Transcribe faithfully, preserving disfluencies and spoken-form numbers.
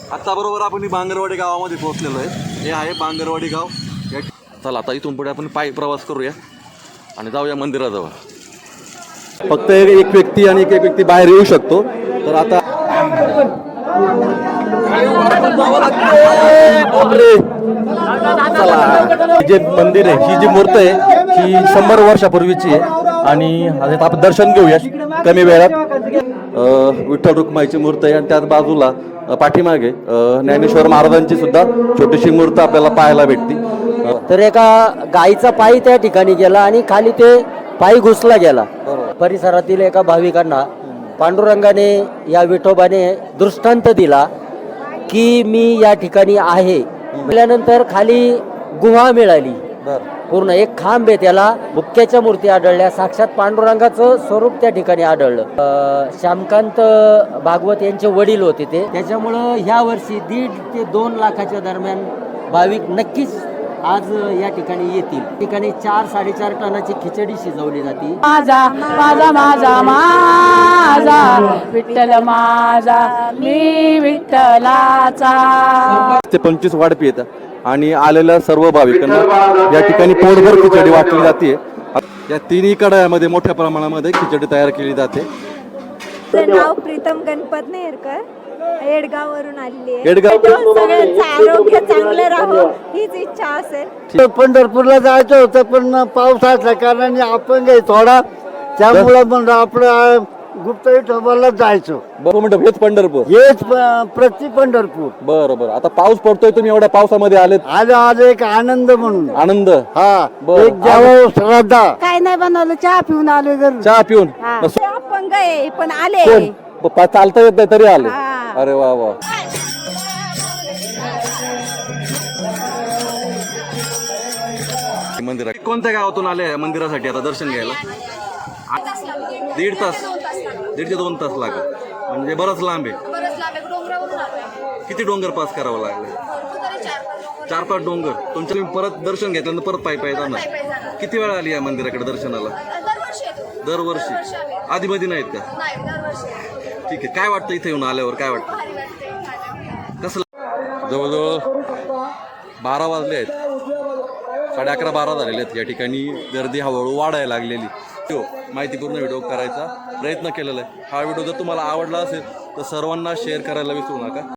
आता बरोबर आपण बांगरवाडी गावामध्ये पोहोचलेलो आहे. हे आहे बांगरवाडी गाव. या चला आता इथून पुढे आपण पायी प्रवास करूया आणि जाऊया मंदिराजवळ. फक्त एक व्यक्ती आणि एक एक व्यक्ती बाहेर येऊ शकतो. तर आता चला, जे मंदिर आहे, ही जी मूर्त आहे ही शंभर वर्षापूर्वीची आहे आणि आता आपण दर्शन घेऊया कमी वेळात. विठ्ठल रुक्माईची मूर्त आहे आणि त्याच बाजूला पाठीमागे ज्ञानेश्वर महाराजांची सुद्धा छोटीशी मूर्त आपल्याला पाहायला भेटते. तर एका गाईचा पायी त्या ठिकाणी गेला आणि खाली ते पायी घुसला गेला. परिसरातील एका भाविकांना पांडुरंगाने या विठोबाने दृष्टांत दिला की मी या ठिकाणी आहे. म्हटल्यानंतर खाली गुहा मिळाली. पूर्ण एक खांब आहे, त्याला मुक्याच्या मूर्ती आढळल्या. साक्षात पांडुरंगाचं स्वरूप त्या ठिकाणी आढळलं. श्यामकांत भागवत यांचे वडील होते ते. त्याच्यामुळं ह्या वर्षी दीड ते दोन लाखाच्या दरम्यान भाविक नक्कीच आज या ठिकाणी येतील. ठिकाणी चार साडेचार टनाची खिचडी शिजवली जाते. माझा माझा माझा माझा विठ्ठल माझा मी विठ्ठलाचा. ते पंचवीस वाढपी येतात आणि आलेल्या सर्व भाविकांना या ठिकाणी पोटभर खिचडी वाटली जाते. या तिन्ही कडायामध्ये मोठ्या प्रमाणामध्ये खिचडी तयार केली जाते. नाव प्रीतम गणपत नेरकर, येडगाव वरून आलेली आहे. येडगाव. सगळ्यांचं आरोग्य चांगलं राहो हीच इच्छा असेल. पंढरपूरला जायचं होतं पण पावसाच्या कारणाने आपण काही थोडा त्यामुळं म्हणलं आपलं गुप्त विठोबाला जायचं. बरोबर म्हणतो, हेच पंढरपूर, हेच प्रति पंढरपूर. बरं बरं. आता पाऊस पडतोय, तुम्ही एवढ्या पावसामध्ये आलेत. आज आज एक आनंद म्हणून आनंद. हा बरं. एक जेव्हा श्रद्धा. काय नाही बनवलं, चहा पिऊन आलो घरी. चहा पिऊन अपंग आहे पण आले. कोण? प- चालता येत नाही तरी आले. हा. अरे वा वा. मंदिर कोणत्या गावातून आले आहे मंदिरासाठी आता दर्शन घ्यायला? दीड तास दीड ते दोन तास लागत, म्हणजे बरंच लांब आहे. किती डोंगर पास करावं लागलं? चार पाच डोंगर. तुमच्या तुम्ही परत दर्शन घेतल्यानंतर परत पायी पायी जाणार. किती वेळा आली या मंदिराकडे दर्शनाला? दरवर्षी. आधी मधी नाहीत का? ठीक आहे. काय वाटतं इथे येऊन आल्यावर? काय वाटतं? कसं? जवळजवळ बारा वाजले आहेत, साडे अकरा बारा झालेले आहेत. या ठिकाणी गर्दी हळूहळू वाढायला लागलेली. तो माहितीपूर्ण व्हिडिओ करायचा प्रयत्न केलेला आहे. हा व्हिडिओ जर तुम्हाला आवडला असेल तर सर्वांना शेअर करायला विसरू नका.